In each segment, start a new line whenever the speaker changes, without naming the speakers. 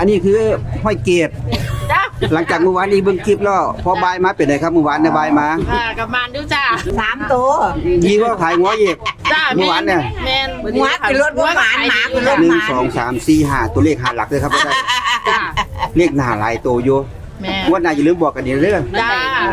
นนี้คือห้อยเกต
จ้า
หลังจากเมื่อวานนี้เบิ่งคลิปแล้วพอบายมาเป็นไงครับเมื่อวานเนี่ยบายมา
กับมันดูจ้า
3 ตัว
ยีว่าขายหัวอีก
จ้า
เมื่อวานเนี่ย
แมน
หัวคือรถบ่หมานหมาคือรถ
1 2 3 4 5ตัวเลข5หลักเลยครับบ่ได้
จ้า
เลขหน้าหลายตัวอยู่
แมน
งวดหน้าอย่าลืมบอกกันเด้อเด้อ
จ้า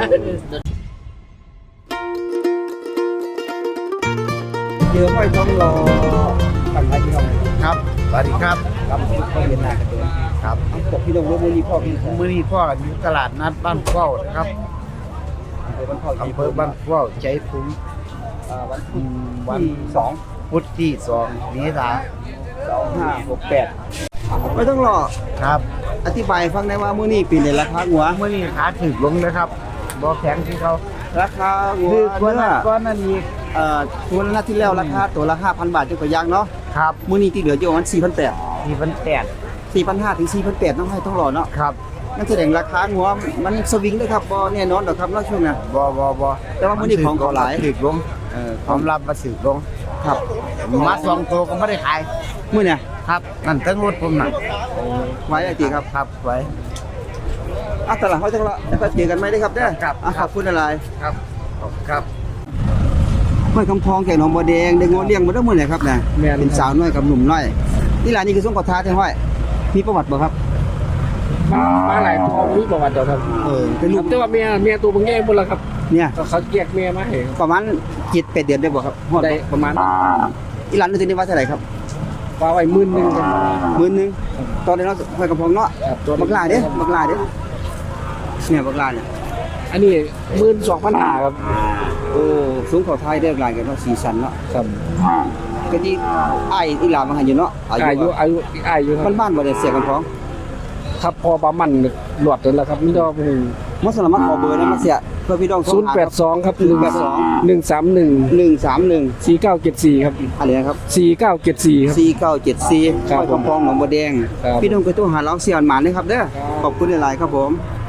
เจอห้อยทองรอปันไทยพี่น้อง
ครับสวัสดีครับ
ครับเข้าเรียนหน้ากันเด้อ
ครับ
บอกพี่น้องว่ามื้อนี้พ่อพี่ครับ
มื้อนี้พ่ออยู่ตลาดนัดบ้านเข้านะครับ
อำเภอบ้านเข้า
อำเภอบ้านเข้าใจภูมิ
วันพุธ
วัน
ที่2
พุธที่2เมษายน
2568ไม่ต้องรอ
ครับ
อธิบายให้ฟังได้ว่ามื้อนี้ปีนี้ราคาหัว
มื้อนี้ขาถึกลงนะครับบ่แข็งที่เขา
ราคาหัว
คือกว่า
เนื้
นั้
อน
ก้อนนั้นอีก
ตัวละนัดที่แล้วราคาตัวละ 5,000 บาทจนกว่าอย่างเนาะ
ครับ
มื้อนี้ที่เหลืออยู่ประมาณ 4,800
ที่มันแตก
4,500 ถึง 4,800ต้องให้ต้องรอเนาะ
ครับ
นั่นแสดงราคาหัวมันสวิงเลยครับบ่แน่นอนดอกครับเนาะช่วงน่ะ
บ่
แต่ว่ามื้อนี้ของเขาหลาย
ถึกลง
ค
ความ วามรับมาสึกลง
ครับ
มาสองตัวก็ไม่ได้ขาย
มื้อเนี่ย
ครับนั่นทั้งรถผมน่ะ
ไว้ไอ้ติครับ
ครับไว้
ตลาดเฮาจังละแล้วก็เจอกันใหม่เด้อครับเด้อ
ครับ
ขอบคุณหลาย
ครับครับ
ห้อยคำพองแก่หนองบัวแดงได้งอเลี้ยงมาได้มื้อไหนครับน่ะ
แม่น
เป็นสาวน้อยกับหนุ่มน้อยนี่ล่ะนี่คือสงขอท้าแท้ห้อยมีประวัติบ่ครับ
มาหลายตัวมีประวัติเดียวครับ
เป็นลูก
แต่ว่าเมียตัวบางแง่หมดแล้วครับ
เนี่ย
เขาแยกเมียมาให้
ประมาณ7-8 เดือนได้บ่ครับฮอด
ได้ประมาณ
อีหลานนี่ว่าเท่าไหร่ครับ
ว่าไว้10,000ครับ
10,000ตอนนี้เราห้อยคำพองเนาะ
ครับตัว
บักลาเด้บักลาเด้เนี่ยบักลาเนี่ย
อันนี้12,500ครับ
โอ้สูงเขาไทยได้หลายกันเนาะสีสันเนาะ
ครับ
ก็ที่อ้ายอีหลามาให้อยู่เนาะอา
อา
ยุ
ยุครับ
บ้านๆบ่ได้เสียกันพอง
ครับพอประมาณหลอดนั่นแหละครับมีดอก
มาสมัครขอเบอร์ได้มาเสียเพื่อพี่น้องโทรหาครับ
082ครับ
131
4974ครับ
อะไรนะครับ
4974ครับ
4974
ครับ
ห้อยคำพองหนองบัวแดง
ครับ
พี่น้องก็โทรหาร้องเสียนหมานเลยครับเด้อขอบคุณหลายๆครับผม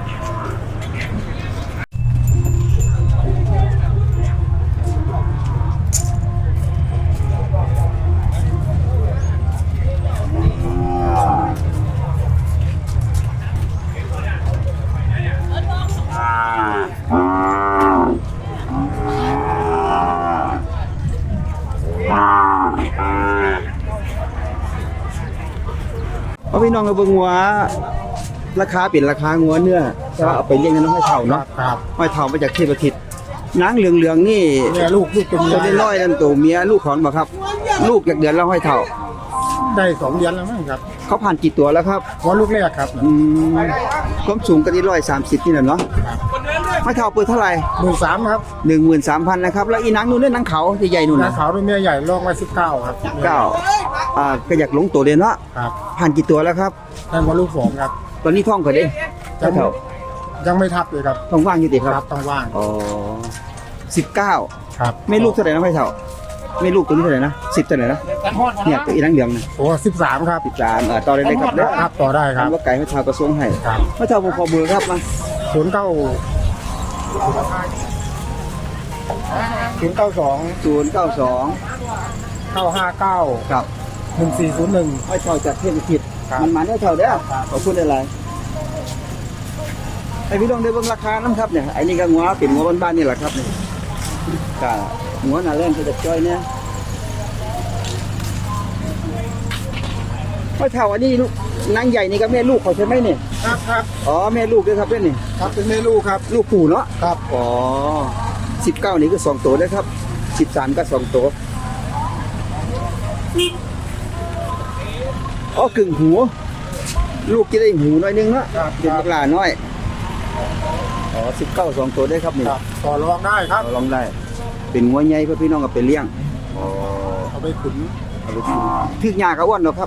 เอาพี่น้องเอาเบิ่งหัวราคาเป็นราคางัวเนื้อแต่ว่าเอาไปเลี้ยงในน้องห้อยเฒ่าเนาะ
ครับ
ห้อยเฒ่ามาจากเทพอาทิตย์นางเหลืองๆนี่
เนี่ยลูกเป็น
ตัวได้น้อยนั่นตัวเมียลูกของบ่ครับ ลูกจากเดือนแล้วห้อยเฒ่า
ได้2 เดือนแล้วมั้งครับ
เขาผ่านกี่ตัวแล้วครับ
หัวลูกแรกครับ
ความสูงก็ที่130นี่แหละเนาะห้อยเฒ่าเปิดเท่าไหร่
13,000ครับ
13,000นะครับแล้วอีนางนู่นเนี่ยนางเขาใหญ่ๆนู่น
หน้า
นะ
ขาวด้วยเมียใหญ่ลองไว้19ครับ
ก็อยากลงตัวเดียวเนาะ
ครับ
ผ่านกี่ตัวแล้วครับ
ได้หัวลูก2ครับ
ตอนนี้ท้องก็ได้ห้อยเฒ่า
ยังไม่ทับเลยครับ
ท้องว่างอยู่ติครับ
ต้องว่าง
อ๋อ19
ครับ
แม่ลูกเท่าไหร่นะห้อยเฒ่าแม่ลูกตัวนี้เท่าไหร่นะ10เท่าไหร่นะเนี่ยตัวอีนางเหลืองนะ
โอ้13ครับ
13ต่อได้เลยครับเด้อ
ครับต่อได้ครับ
คำว่าไก่ห้อยเฒ่ากระทรวงให้
ครับ
ห้อยเฒ่าผมขอเบอร์ครับมา
092
092
959
ครับ
1401
ห้อยเฒ่าจากเทพทิศ
ครับ
มันมาได้เฒ่าเด้อขอบคุณอะไรให้พี่น้องได้เบิ่งราคานํครับเนี่ยไอ้นี่ก็งัวเป็นงัวบ้านๆนี่แหละครับนี่ก็งัวหน้าแรงจะจ้อยเนี่ยห้อยเฒ่าอันนี้ลูกนางใหญ่นี่ก็แม่ลูกเขาใช่ไหมเนี่ย
ครับครับ
อ๋อแม่ลูกด้วยครับเด้อนี่
ครับเป็นแม่ลูกครับ
ลูกปู่เนาะ
ครับ
อ๋อ19นี่ก็2ตัวนะครับ13ก็2ตัวอ๋อกึ่งหูลูกจะได้หูน้อยนึงเนาะเป็นบักหลาน้อยอ๋อ19 2ตัวได้ครับนี่
ครับต่อรองได้ครับ
ลองได้เป็นงัวใหญ่เพื่อพี่น้องเอาไปเลี้ยงอ๋อ
เอาไปขุน
เอาไปกินทึกหญ้าก็อ้วนเนาะครับ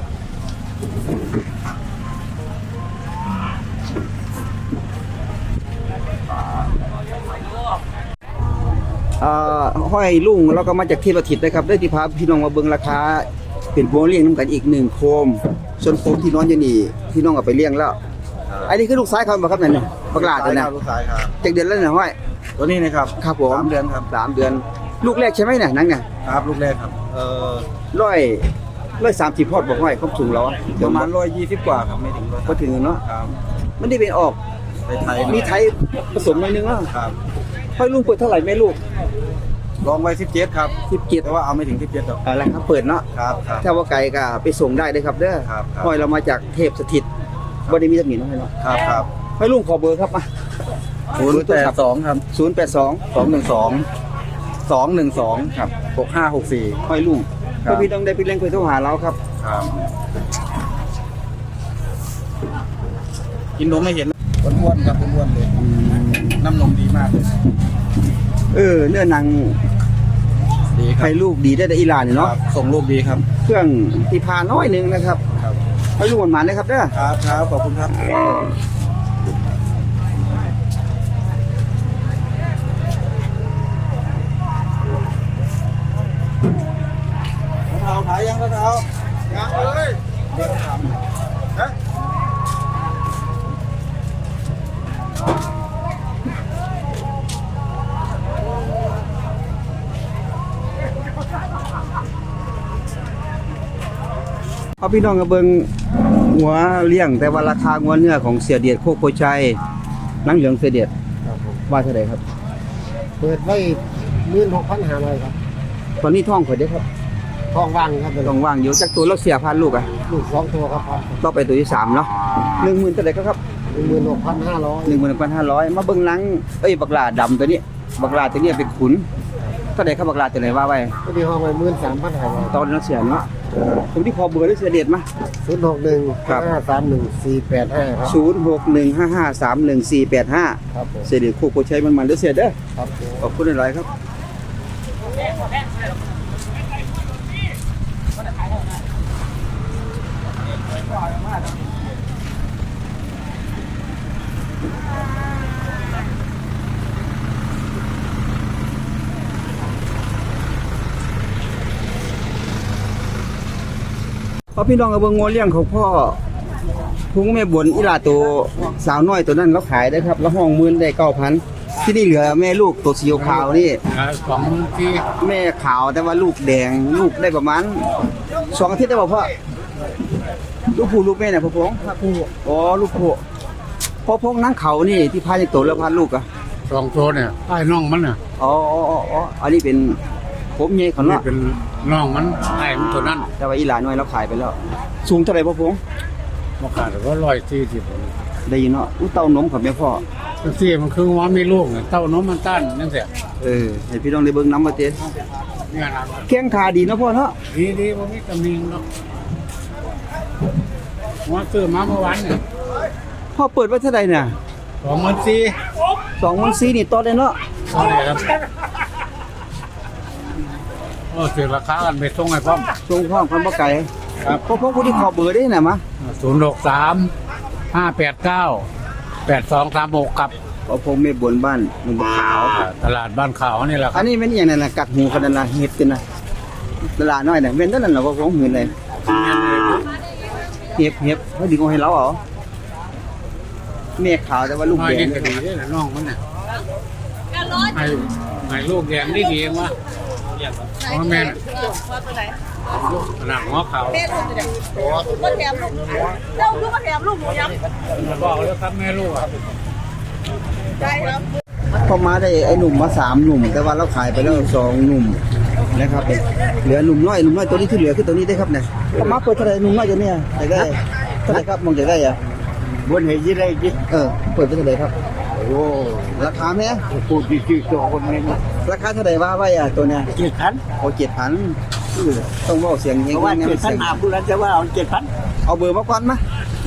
ห้อยลุงเราก็มาจากเทพอาทิตย์นะครับได้ที่พาพี่น้องมาเบิ่งราคาเป็นพวงเลี้ยงน้ำกันอีก1โคมส่วนโคมที่นอนอยู่นี่พี่น้องเอาไปเลี้ยงแล้วอันนี้คือลูกซ้ายเขาบ่ครับนั่นนี่บักหลาตัวน่ะ
ลูกสายครับ
จากเดือนแล้วเนี่ยห้อย
ตัวนี้นะครับ
ครับผม
3 เดือนครับ
3 เดือน ลูกแรกใช่ไหมเนี่ยนั่นไง
ครับลูกแรกครับ
ร้อย 130พอดบ่ห้อยความสูงเราอะ
ประมาณ120กว่าครับไม่ถึง
ก็ถึงเนาะ
ครับ
มันได้เป็นออก
ไปไทย
มีไทยผสมหน่อยนึงเนาะ
ครับ
ห้อยลุงเปิดเท่าไหร่แม่ลูก
ลองไว้17ครับ
17
แต่ว่าเอาไม่ถึง17หรอก
อะไรครับเปิดเนาะ
ครับครับ
ถ้าว่าไกลก็ไปส่งได้เลยครับเด้อ
ครับครับ
ห้อยเรามาจากเทพสถิตบ่ได้มีตำหนิเนาะห้อยเนาะ
ครับครับ
ห้อยลุงขอเบอร์ครับมา
082ครับ
082
212ครับ6564
ห้อยลุง
ครับ
ถ้าพี่ต้องได้ไปเล่นคุยโทรหาเราครับ
ครับกินนมไม่เห็นอ้วนๆครับอ้วนๆเลยน้ำนมดีมากเลย
เนื้อหนัง
ดีครั
ให้
บ
ลูกดีได้แต่อีหลานเนาะ
ครับส่งลูกดีครับ
เครื่องที่พาน้อยหนึงนะครับ
ครับ
ให้ลูกหวานๆนะครับเด้อ
ครับครับขอบคุณครับเท้าถ่ายยังเท้ายังเลยเดี๋ยวทำฮะ
เอาพี่น้องกับเบิงหัวเลี้ยงแต่ว่าราคาหัวเนื้อของเสียเดียดโคกโพชัยนังเหลืองเสียเดียด
ครับผม
ว่าเท่าไหร่ครับ
เปิดไว้16,500ครับ
ตอนนี้ท้องข่อยเด้อครับ
ท้องว่างครับ
ท้องว่างอยู่จักตัวเราเสียพันลูกอ่ะ
ลูก2ตัวครับ
ต่อไปตัวที่3เนาะ10,000เท่าไหร่ครับ
16,500
11,500มาเบิ่งหลังบักหลาดำตัวนี้บักหลาตัวนี้เป็นขุนเท่าไหร่ครับบักหลาตัวไหนว่าไว้
ก็ดีห้องไว้13,500
ตอนนั้นเสียเนาะผมที่พอเบอร์ได้เสียเดียดมา
061
ครับ
531 485ครับ
0615531485
ครับผม
เสียเดียดโคกโพชัยมันๆเด้อเสียเด้อ
ครับผม
ขอบคุณหลายๆครับพอพี่น้องกับเบิ่งงัวเลี้ยงของพ่อพุงแม่บนอีหลาตัวสาวน้อยตัวนั้นเราขายได้ครับแล้วห้องหมื่นได้9,000ที่นี่เหลือแม่ลูกตัวสีขาวนี่
2ที่
แม่ขาวแต่ว่าลูกแดงลูกได้ประมาณ2อาทิตย์ได้บ่พ่อลูกผู้ลูกแม่เนี่ยพ่อพงผู้อ๋อลูกผู้พ่อพงนั่งเขานี่ที่พาในโตแล้วพาลูกอ่ะ
2ตัวเนี่ยไอ้น้องมันน่ะ
อ๋ออันนี้เป็นผมใหญ่เขา
นี่
เนาะ
เป็นน้องมันไอ้มันตัวนั้น
แต่ว่าอีหลานน้อยเราขายไปแล้ว สูงเท่าไหร่พ่อพง
บ่ขาดก็140
ได้ยินเนาะอู้เต้านมครับแม่พ่อ
จังซี่มันคือว่ามีลูกเนี่ยเต้านมมันต้านจังซี่
ให้พี่น้องได้เบิ่งน้ำมาเต้
เนี่ยนะ
แข้งขาดีเนาะพ่อเนาะ
ดีบ่มีตำหนิเนาะว่าซื้อมาเมื่อวานเนี่ย
พ่อเปิดไว้เท่าไหร่เนี่ย
24,000
24,000นี่ต่อได้เนาะ
เท่าไหร่ครับถือราคากันไปส่งให้พร้อม
ทรงพ่อคนบ่ไกล
ครับ
พ่อพงผู้ที่ขอเบอร์ได้น่ะมะ
063 589 8236ครับ
พ่อพงแม่บนบ้านมันบ่ขาว
ตลาดบ้านขาวนี่แหละค
อั
รับ
นนี้เป็นอย่างนั้นนะกัดหูกันนั่นนะเห็ดกันนะตลาดน้อยน่ะเป็นเท่านั้นเหรอว่าของหืนเลยเห็บเขาดึงเอาให้เราเหรอแม่ขาวแต่ว่าลูก
น้อย
แดง
นี่ก็ดีด้วยนะน้องมันเนี่ยให้ลูกแดงได้ดีเองวะเพราะแม่น่ะหนังหัวขาว
แม่ลูกจะมาแถมลูกเจ้าลูกมาแถมลูกหนูยัง
บอกแล้วครับแม่ลูกอ่ะ
ได้ครับ
พอมาได้ไอ้หนุ่มมา3หนุ่ม แต่ว่าเราขายไปแล้ว2หนุ่มนะครับเหลือหนุ่มน้อยตัวนี้ที่เหลือคือตัวนี้ได้ครับเนี่ยพอมาเปิดเท่าไหร่หนุ่มน้อยตัวเนี้ยได้เท่าไหร่ครับมองได้อ่ะ
บนเหตุยี่ไรยี่
เปิดไปเท่าไหร่ครับ
โอ้
ราคาแม่
พูดดีๆตัวคนนี้
ราคาเท่าไหร่ว่าไว้อ่ะตัวเนี้ย
7,000
โอ้7,000ต้องเว้าเสียงเฮง
เพราะว่า
แน่
7,000มาพูดแล้วจะว่าเอา7,000
เอาเบอร์มาก่อนมา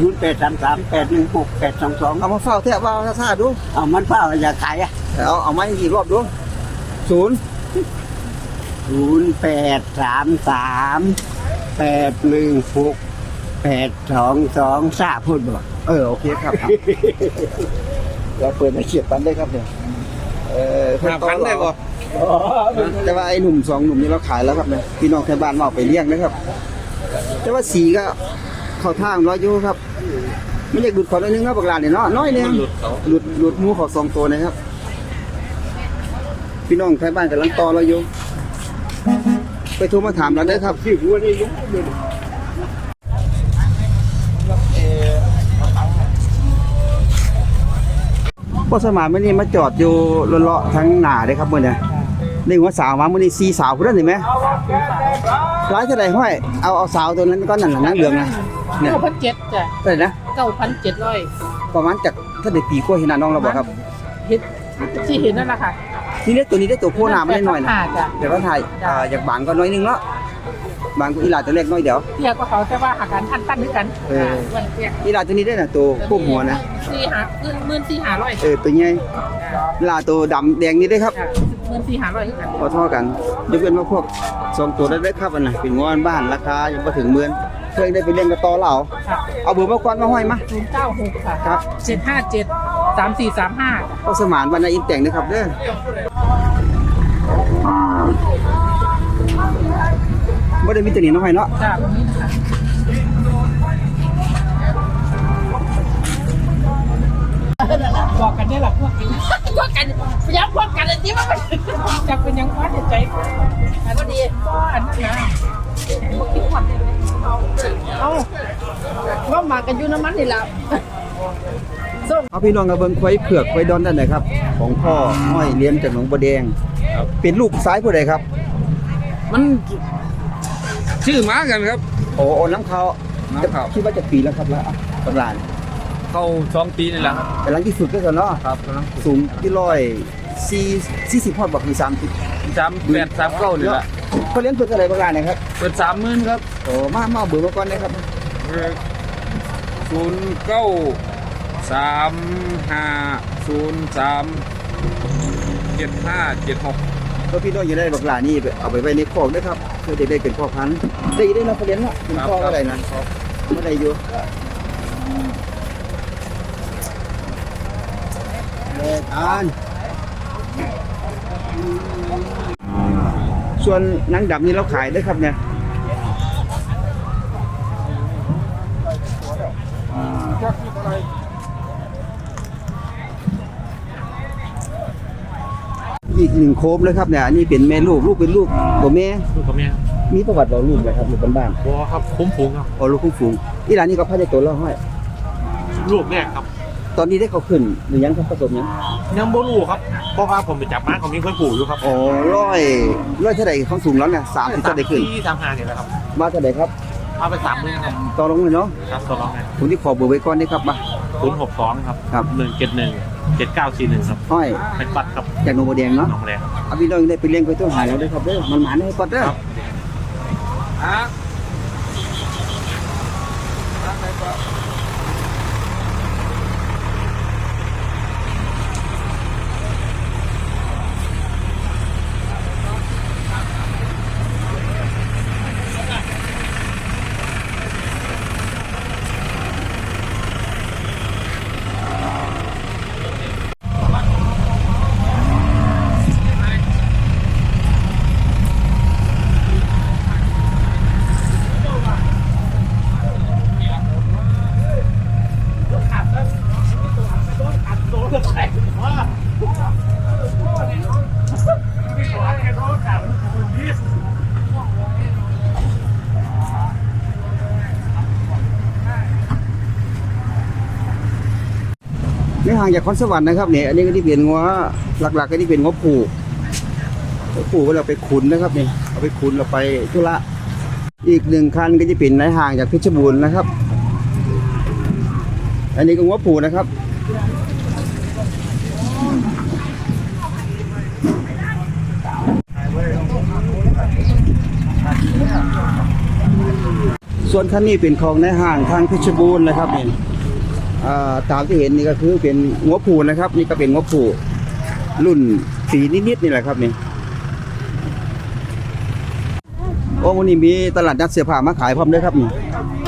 0833816822
เอามาเฝ้าแทะว่าซ่าดู
เอามันเปล่าอยากขายอ่ะ
เอามาอีกรอบดู0
0833816822ซาพูดบ่
โอเคครับ เราเปิดมาเขียดปันได้ครับเนี่ย5,000ได้บ่แต่ว่าไอ้หนุ่ม2หนุ่มนี่เราขายแล้วครับเนี่ยพี่น้องแถวบ้านมาเอาไปเลี้ยงนะครับ แต่ว่าสีก็เข้าทางร้อยอยู่ครับไม่อยากดูดขอน้อยนึงนะบักหลานเนี่ยเนาะน้อยนึงหลุดหมูขอ2ตัวนะครับ พี่น้องแถวบ้านกำลังต่อเราอยู่ไปโทรมาถามเราได้ครับ
ที่หัวนี่ลุก
พ่อสมานมื้อนี้มาจอดอยู่เลาะๆทั้งหน้าเด้ครับมื้อนี้ได้หัวสาวมามื้อนี้4สาวพุ่นนั่นเห็นไหมร้ายเท่าใดห้อยเอาสาวตัวนั้นก็นั่นน่ะนางเหลืองนะเนี่ย
9,700จ้ะ
เท่าไหร่นะ
9,700
ประมาณจากถ้าได้ปีกว่าเห็นหน้าน้องเราบ่ครับ
เห็นที่เห็นนั่นแหละค่ะ
นี่เนี่ยตัวนี้ได้ตัวโคหน้ามาได้หน่อยนะ
จ้ะ
เดี๋ยวก็ถ่ายอยากบางก็น้อยนึงเนาะบางก็อีหลาตัวเล็กน้อยเดี๋ยว
เตี้ยก็เขาแต่ว่าหากันอันด้วยกัน
เออ
วันเตี้ย
อีหลาตัวนี้ได้น่ะตัวควบหัวนะ
14,500
ตัวใหญ่อีหลาตัวดำแดงนี่ได้ครับ
จ้ะ14,500คือกัน
พอเท่ากันยกเว้นว่าพวก2ตัวได้ครับอันน่ะเป็นงอนบ้านราคายังบ่ถึงหมื่นเคยได้ไปเลี้ยงกับต่อเหล่า
ค่ะ
เอาเบอร์มาก่อนมาห้อยมา
096ค่ะ
ครับ
757 3435
พ่อสมานบรรณาอินแต่งนะครับเด้อบ่ได้มีตัวนี้เนาะห้อยเนาะ
จ้ะตรงนี้นะคะบอกกันเนี่ยแหละพวกกันพวกกันย้ำพวกกันเลยที่ว่ามันจะเป็นยังวัดใจอันก็ดีก็อันนั้นนะคิดหมดเอาว่ามากันอยู่น้ำมันนี่แหละส้ม
เอาพี่น้องกับเบิ่งควายเผือกควายดอนด้านไหนครับของพ่อห้อยเลี้ยงจากหนองบัวแดงเป็นลูกซ้ายผู้ใดครับ
มันชื่อหมากันครับ
โอ้น้ำเขา
น้ำเขา
คิดว่าจะปีแล้วครับแล้วกำลาน
เข้า2 ปีนี่แหละครับ
กำลังที่สุดก็คือเนาะ
ครับกำลัง
สูงที่140พอดบอกคือ30
38 39นี่แหละ
เขาเลี้ยงเพื่ออะไรบางรายนะครับ
เปิด30,000ครับ
โอ้มาเบอร์มาก่อนนะครับ
0935037576
ก็พี่น้องอยู่ได้บางรายนี่เอาไปไว้ในคอกด้วยครับเพื่อจะได้เป็นพ่อพันธุ์ได้นะเขาเลี้ยงละเป็นพ่ออะไรนะไม่ได้อยู่ส่วนนางดำนี่เราขายได้ครับเนี่ยอีกหนึ่งโคมเลยครับเนี่ยอันนี้เป็นแม่ลูกเป็นลูกบ่แม่
ลูกกับแม่
มีประวัติบอกลูกไหมครับลูกบ้าน
บ่ครับคุ้มฝูงครับ
ๆอ๋อลูกคุ้มฝูงอีหลานนี่ก็พันในตัวเราห้อย
ลูกแรกครับ
ตอนนี้ได้เขาขึ้นหรือยังครับผสมยัง
ยังบ่รู้ครับเพราะว่าผมไปจับม้าของมีคนปู่อยู่ครับ
อ๋อร้อยเท่าไหร่ของสูงแล้วเนี่ย30เท่าไหร่ขึ้น
ที่35นี่แหละครับ
มาเท่าไหร่ครับ
เอาไป30,000นะ
ต่อลงเลยเนาะ
ครับตัวร้องไง
ผมที่ขอเบอร์ไว้ก่อนนี่ครับมา
062ครับ
ครับ
1717941ครับ
ห้อย
เป็นปัดครับ
จากหนองบัวแดงเนาะ
น้องแรง
เอาพี่น้องได้ไปเลี้ยงไปตัวหายแล้วด้วยครับเด้อมันหมานให้ปัดเด้อ
ครับ
ไม่ห่างจากคอนสวรรค์นะครับเนี่ยอันนี้ก็ที่เป็นงัวหลักๆก็ที่เป็นงัวผูกเราไปขุนนะครับนี่เอาไปขุนเราไปธุระอีกหนึ่งคันก็จะเป็นในห่างจากเพชรบูรณ์นะครับ อันนี้ก็งัวผูกนะครับส่วนคันนี้เป็นของในห่างทางเพชรบูรณ์นะครับนี่ตามที่เห็นนี่ก็คือเป็นงัวผูนะครับ นี่ก็เป็นงัวผูรุ่นสีนิดๆนี่แหละครับนี่โอ้วันนี้มีตลาดนัดเสื้อผ้ามาขายพร้อมด้วยครับนี่